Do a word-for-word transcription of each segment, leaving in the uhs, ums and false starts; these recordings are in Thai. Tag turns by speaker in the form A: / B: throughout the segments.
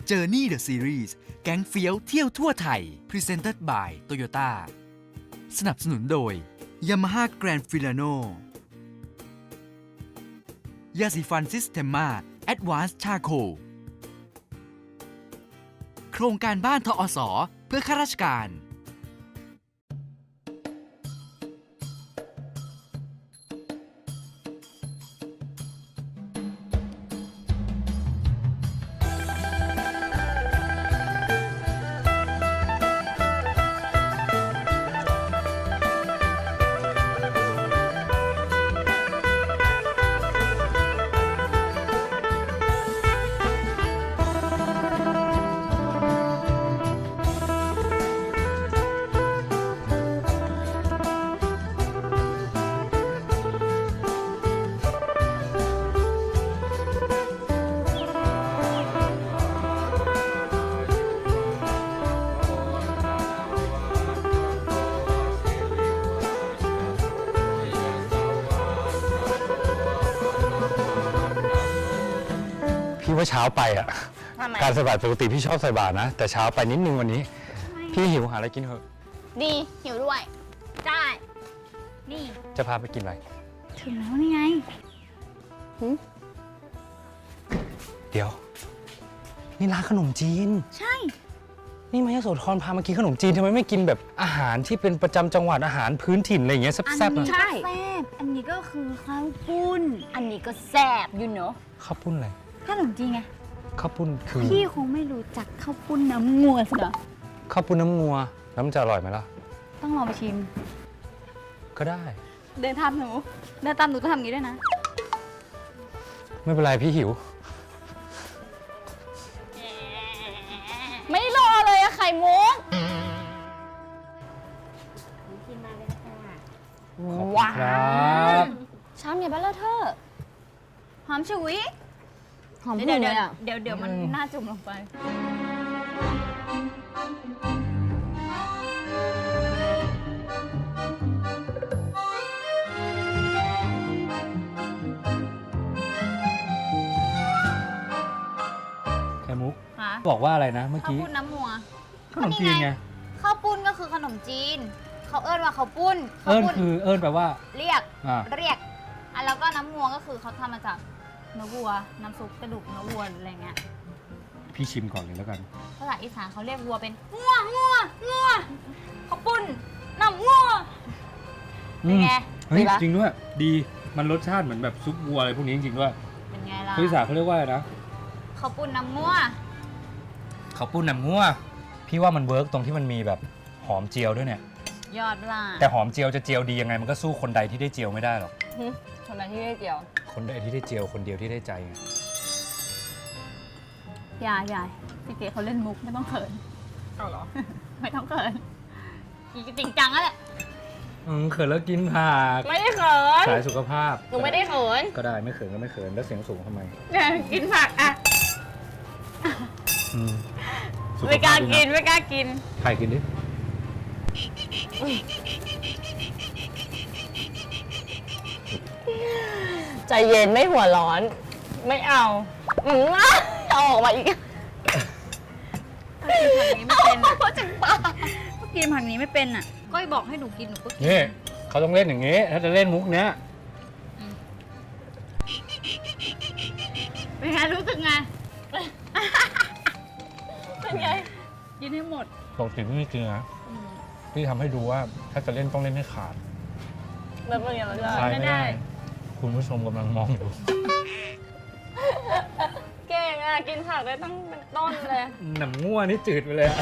A: Journey the Series แก๊งเฟี้ยวเที่ยวทั่วไทย Presented by Toyota สนับสนุนโดย Yamaha Grand Filano ยาสีฟันซิสเ e ม a Advanced Charcoal โครงการบ้านทอสเพื่อข้าราชการ
B: พี่ว่าเช้าไปอ่ะการใส่บาตรปกติพี่ชอบใส่บาตรนะแต่เช้าไปนิดนึงวันนี้พี่หิวหาอะไรกินเถอะ
C: ดีหิวด้วยได้นี่
B: จะพาไปกินอะไร
C: ถึงแล้วนี่ไง
B: เดี๋ยวนี่ร้านขนมจีน
C: ใช่
B: นี่มายโสธรพามากินขนมจีนทำไมไม่กินแบบอาหารที่เป็นประจำจังหวัดอาหารพื้นถิ่นอะไรอย่างเงี้ยแซ่บๆนะ
C: ใช่แซ่บอันนี้ก็คือข้าวปุ้นอันนี้ก็แซ่บอยู่เนาะ
B: ข้าวปุ้นอะไร
C: ขนมจีนไง
B: ข้าวปุ้นคือ
C: พี่คงไม่รู้จักข้าวปุ้นน้ำงัวสินะ
B: ข้าวปุ้นน้ำงัวแล้วมันจะอร่อยไหมล่ะ
C: ต้องลองไปชิม
B: ก็ได้
C: เดินตามหนูเดินตามหนูต้องทำอย่างนี้ด้วยนะ
B: ไม่เป็นไรพี่หิว
C: ไม่รอเลยอะไข่มุกกินมาเลยค่ะว้าวชามใหญ่เบ้อเลอะเทอะหอมฉุยหอมเดี๋ยวเดี๋ยวเดี๋ยวเดี๋ยวมันน่าจุ่มลงไป
B: แค่มุกบอกว่าอะไรนะเมื่อกี้
C: ข้าวปุ้นน้ำมัว
B: ขนมจีนไง
C: ข้าวปุ้นก็คือขนมจีนเขาเอิ้นว่าข้าวปุ้น
B: เอิ้นคือเอิ้นแปลว่า
C: เรียกเรียกอ่ะแล้วก็น้ำมัวก็คือเขาทำมาจากเนื้อวัวน้ำซุปกระดูกเนื้อวัวอะไรเงี้ย
B: พี่ชิมก่อนเลยแล้วกัน
C: ภาษาอีสานเขาเรียกวัวเป็นงัวงัวงัวข้าวปุ้นน้ำงัวเป็นไง
B: เฮ้ยจริงด้วยดีมันรสชาติเหมือนแบบซุปวัวอะไรพวกนี้จริงๆด้วย
C: เป็นไงล่ะ
B: ภาษาเขาเรียกว่าอะไรนะ
C: ข้าวปุ้นน้ำงัว
B: ข้าวปุ้นน้ำงัวพี่ว่ามันเวิร์กตรงที่มันมีแบบหอมเจียวด้วยเนี่ย
C: ยอดล่ะ
B: แต่หอมเจียวจะเจียวดียังไงมันก็สู้คนใดที่ได้เจียวไม่ได้หรอก
C: คนใดที่ได้เจียว
B: คนใดที่ได้เจียวคนเดียวที่ได้ใจไง
C: อย่าอย่าพี่เก๋เขาเล่นมุกไม่ต้องเขินเอาเหรอไม่ต้องเขินจริงจังแล้วแหละ
B: อืมเขินแล้วกินผัก
C: ไม่ได้เขิน
B: สายสุขภาพ
C: หนูไม่ได้เขิน
B: ก็ได้ไม่เขินก็ไม่เขินแล้วเสียงสูงทำไม
C: กินผักอ่ะไม่กล้ากินไม่กล้ากิน
B: ใครกินดิ
C: ใจเย็นไม่หัวร้อนไม่เอาอืมเอาออกมาอีกกินผักนี้ไม่เป็นอ่ะเขาจังป้ากินผักนี้ไม่เป็นอ่ะก้อยบอกให้หนูกินหนูก็กิน
B: นี่เขาต้องเล่นอย่างนี้ถ้าจะเล่นมุกเนี้ย
C: เป็นไงรู้สึกไงเป็นไงกินให้หมด
B: ปกติพี่ไม่กินนะพี่ทำให้ดูว่าถ้าจะเล่นต้องเล่นให้ขาด
C: แล้วเป็นยังไง
B: ไม่ได้คุณผู้ชมกำลังมองอยู่
C: เก่งอ่ะกินผักได้ตั้งเป็นต้นเลย
B: หนังง่วนี่จืดไปเลยอ่ะ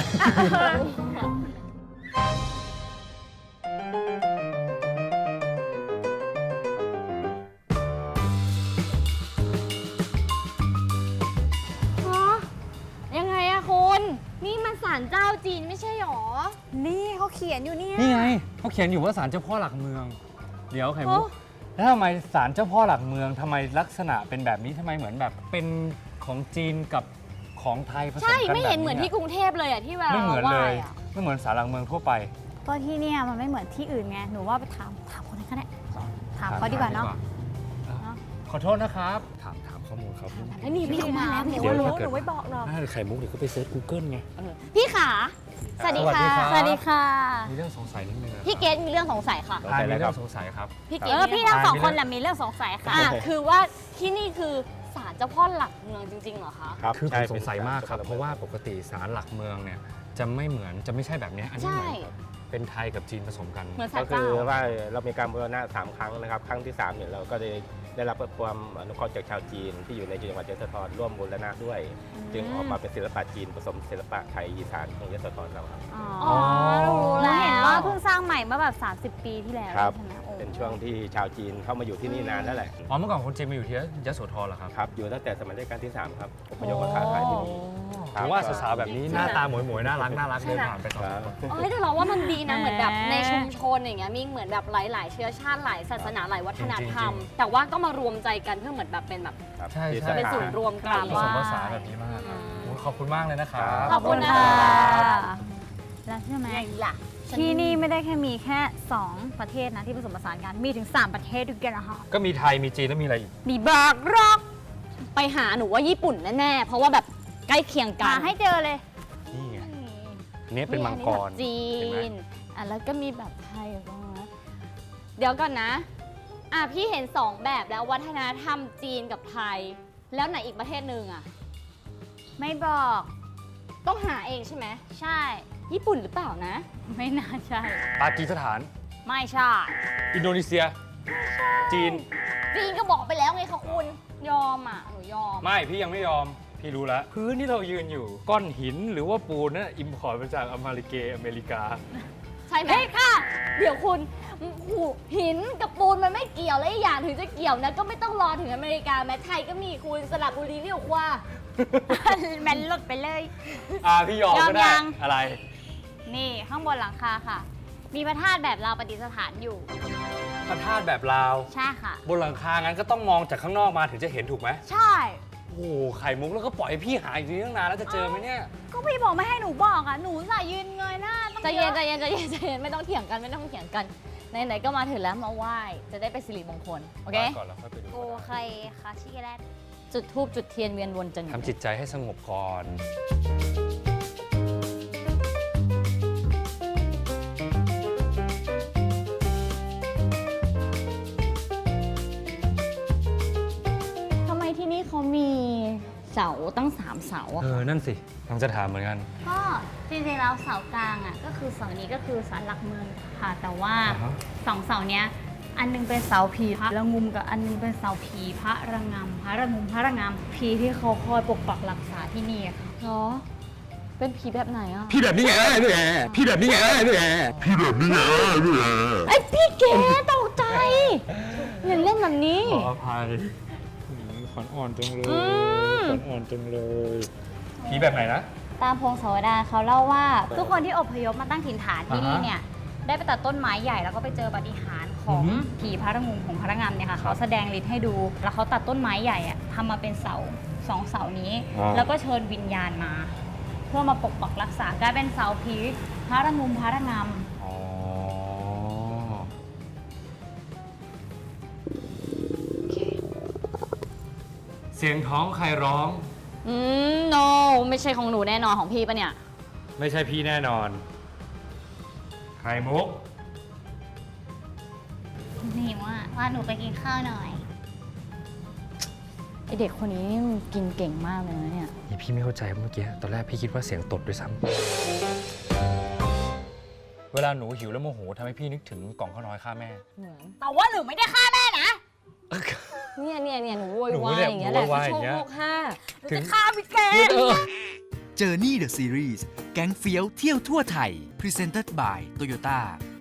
C: ยังไงอะคุณนี่มันศาลเจ้าจีนไม่ใช่หรอนี่เขาเขียนอยู่เนี่ย
B: นี่ไงเขาเขียนอยู่ว่าศาลเจ้าพ่อหลักเมืองเดี๋ยวไข่มุกแล้วทำไมศาลเจ้าพ่อหลักเมืองทำไมลักษณะเป็นแบบนี้ทำไมเหมือนแบบเป็นของจีนกับของไทยผสมกันแบบนี้
C: ใช่ไม่เห็นเหมือนที่กรุงเทพเลยอ่ะที่เรา
B: ไม่เหมือนเลยไม่เหมือนศาลหลักเมืองทั่วไป
C: ก็ที่เนี่ยมันไม่เหมือนที่อื่นไงหนูว่าไปถามถามคนนั้นก็ได้ถามเขาดีกว่าเนาะ
B: ขอโทษนะครับถามถามข้อมูลครับ
C: แล้วนี่พี่มาแล้ว
B: เดี๋
C: พี่
B: ยว
C: รู้
B: ถ้าเกิด
C: หนูไม่บอกหรอก
B: น่าจะไข่มุกเดี๋ยวก็ไปเซิร์ช Google ไง
C: พี่ขาสวัสดีค่ะ
B: สวัสดีค่ะ
C: สวัสดีค่ะ
B: มีเรื่องสงสัยนิดนึงนะ
C: พี่เกดมีเรื่องสงสัยค่ะ
B: ทายมีเรื่องสงสัยครับ
C: พี่เก
D: เอ
C: ด
D: อพี่ทั้งสองคน
B: มี
D: แห
B: เรื่
D: ละ
B: อง
D: มีเรื่องสงสัยค่ะ
C: อ่ะคือว่าที่นี่คือศาลเจ้าพ่อหลักเมืองจริงๆเหรอคะ
E: ครับ
B: คือผ
E: ใช่
B: มสงสัยมากครับ
E: ป็น
B: เพราะว่าปกติศาลหลักเมืองเนี่ยจะไม่เหมือนจะไม่ใช่แบบเนี้ยอันนี้เหมือนกับเป็นไทยกับจีนผสมกัน
C: เหมือนศา
E: ก็
C: ล
E: คื
C: เจ้า
E: อว่าเรามีการบูรณะสามครั้งนะครับ ครั้งที่สามเนี่ยเราก็ได้ได้รับความอนุเคราะห์จากชาวจีน ที่อยู่ในจังหวัดยโสธรร่วมบูรณะด้วย จึงออกมาเป็นศิลปะจีนผสมศิลปะไทยอีสานของยโสธรเราครับ
D: อ๋อ
C: รู้
D: หนู
C: แล้ว
D: เห็นว่าเพิ่งสร้างใหม่เมื่อแบบ30 ปีที่แล้ว
E: ครับ
D: ใช่ไหมโอ้
E: เป็นช่วงที่ชาวจีนเข้ามาอยู่ที่นี่นานแล้วแหละ
B: อ๋อเมื่อก่อนคนจีนมาอยู่ที่ยโสธรเหรอครับ
E: ครับ อยู่ตั้งแต่สมัยรัชกาลที่สามครับอพยพมาค้าขายที่นี่ ครับ
B: ผมว่าสาวๆแบบนี้หน้าตาหมวยๆน่ารักน่ารักเดินผ่านไปสอง
E: ครับ
B: คน
C: เอ้ยแต่เราว่ามันดีนะเหมือนแบบในชุมชนอย่างเงี้ยมีเหมือนแบบหลาย ๆ เชื้อชาติหลายศาสนาหลายวัฒนธรรม แต่ว่าก็มารวมใจกันเพื่อเหมือนแบบเป็นแบบ
E: ครับ
B: ใช่
E: ที่
B: ใช่
C: เป็น
E: สา
C: ศู
E: ขาน
C: ย์รวมกราบ
B: ผ
C: ไห
B: ส
C: ว้
B: มภาษานแบบนี้มากครับโอ้ขอบคุณมากเลยนะครับ
C: ขอบคุณค่ะ
D: แล้วใช่ไหม
C: ไงล่ะ
D: ที่นี่ไม่ได้แค่มีแค่ 2 ประเทศนะที่ผสมผสานกัน มีถึง 3 ประเทศด้วยกันนะคะ
B: ก็มีไทยมีจีนแล้วมีอะไรอีก
D: มีบากร็อก
C: ไปหาหนูว่าญี่ปุ่นแน่ ๆ เพราะว่าแบบใกล้เคียงกั
D: หาน ให้เจอเลย
B: นี่ไงอันนี้เป็นมังกร
C: จี
B: เห็นไหม
C: นอ่ะแล้วก็มีแบบไทยบ้างนะเดี๋ยวก่อนนะอ่ะพี่เห็นสองแบบแล้ววัฒนธรรมจีนกับไทย แล้วไหนอีกประเทศหนึ่งอ่ะ
D: ไม่บอก
C: ต้องหาเองใช่ไหม
D: ใช่
C: ญี่ปุ่นหรือเปล่านะ
D: ไม่น่าใช่
B: ปากีสถาน
D: ไม่ใช่
B: อินโดนีเซีย จีน
C: จีนก็บอกไปแล้วไงคะคุณยอมอ่ะหนูยอม
B: ไม่พี่ยังไม่ยอม พี่รู้แล้ว พื้นที่เรายืนอยู่ ก้อนหินหรือว่าปูนนั่นอิมพอร์ตมาจากอเมริกาอเมริกา
C: ใช่ไหมค่ะ เดี๋ยวคุณหูหินกับปูนมันไม่เกี่ยวและอีกอย่างถึงจะเกี่ยวนะก็ไม่ต้องรอถึงอเมริกาแม้ไทยก็มีคุณสระบุรีเรียกว่า
D: แมนลดไปเลย
B: อ่าพี่ยอม
D: ยอม
B: ก็ได้
D: ยัง
B: อะไร
D: นี่ข้างบนหลังคาค่ะ มีพระธาตุแบบลาวประดิษฐานอยู่
B: พระธาตุแบบลาว
D: ใช่ค่ะ
B: บนหลังคางั้นก็ต้องมองจากข้างนอกมาถึงจะเห็นถูกไหม
D: ใช่
B: โอ้โหไข่มุกแล้วก็ปล่อยให้พี่หาอยู่นี่ตั้งนานแล้วจะเจอไหมเนี่ย
D: ก็พี่บอกไม่ให้หนูบอกอ่ะ หนูสายยืนเงยหน้าต้อง
C: ใจเย็น
D: อะ
C: ใจเย็นใจเย็นใจเย็นไม่ต้องเถียงกันไม่ต้องเถียงกันไหนๆก็มาถึงแล้วมาไหว้จะได้เป็นสิริมงคลโอเค
B: ก่อนแล้วค่อยไปดู
D: โอเคค่ะชิคกี้แลต
C: จุดธูปจุดเทียนเวียนวนจน
B: ทำจิตใจให้สงบก่อน
C: ทำไมที่นี่เขามีเสาตั้งสามเสาอะ
B: เออ นั่นสิกำลังจะถามเหมือนกัน
D: ก็จริงๆแล้วเสากลางอ่ะก็คือเสานี้ก็คือศาลหลักเมืองค่ะ แต่ว่า
B: อ่าฮะ
D: สองเสาเนี้ยอันหนึงเป็นเสาผีพระระงุมกับอันหนึงเป็นเสาผีพระระงำพระระงุมพระระงำผีที่เขาคอยปกปักรักษาที่นี่อะค่ะ
C: เหรอเป็นผีแบบไหนอะ
F: พี่แบบนี้ไงเนี่ยพี่แบบนี้ไงเนี่ยพี่แบบนี้ไงเนี่ย
C: ไอยพี่เก๋ตกใจอย่าเล่นแบบนี้
B: ขออภัยขวัญอ่อนจังเลย
C: อืม
B: ขวัญอ่อนจังเลย ผีแบบไหนนะ
D: ตามพงศาวดารเขาเล่าว่า ทุกคนที่อพยพมาตั้งถิ่นฐานที่นี่
B: อ่าฮะ
D: เนี่ยได้ไปตัดต้นไม้ใหญ่แล้วก็ไปเจอปาฏิหาริย์ของ
B: อือหือ
D: ผีพระระงุมของพระระงำเนี่ยค่ะเขาแสดงฤทธิ์ให้ดู แล้วเขาตัดต้นไม้ใหญ่อะทำมาเป็นเสาสองเสานี้ แล้วก็เชิญวิญญาณมา เพื่อมาปกปักรักษากลายเป็นเสาผีพระระงุมพระระงำ
B: อ๋อ เสียงท้องใครร้อง
C: อืม no ไม่ใช่ของหนูแน่นอนของพี่ปะเนี่ย
B: ไม่ใช่พี่แน่นอน ไข่มุก
D: นี่ว่าว่าหนูไปกินข้าวหน่อย
C: ไอเด็กคนนี้นี่มันกินเก่งมากเลยนะเนี่ย
B: นี่พี่ไม่เข้าใจเมื่อกี้ ตอนแรกพี่คิดว่าเสียงตดด้วยซ้ำ เวลาหนูหิวแล้วโมโหทำให้พี่นึกถึงกล่องข้าวน้อยฆ่าแม่
D: แต่ว่าหนูไม่ได้ฆ่าแม่นะ
C: เนี่ยเนี่ยเนี่ยหนูโว
B: หนู
C: ยวาย
B: เนี่ย
C: อย่างเงี้ยแหละ
B: โวยวายอ
C: โช
B: ย่างเงี้ย
C: คโลกห้า
B: ถึง
D: ฆ่าพี่แก
A: Journey the Series แก๊งเฟี้ยวเที่ยวทั่วไทย Presented by Toyota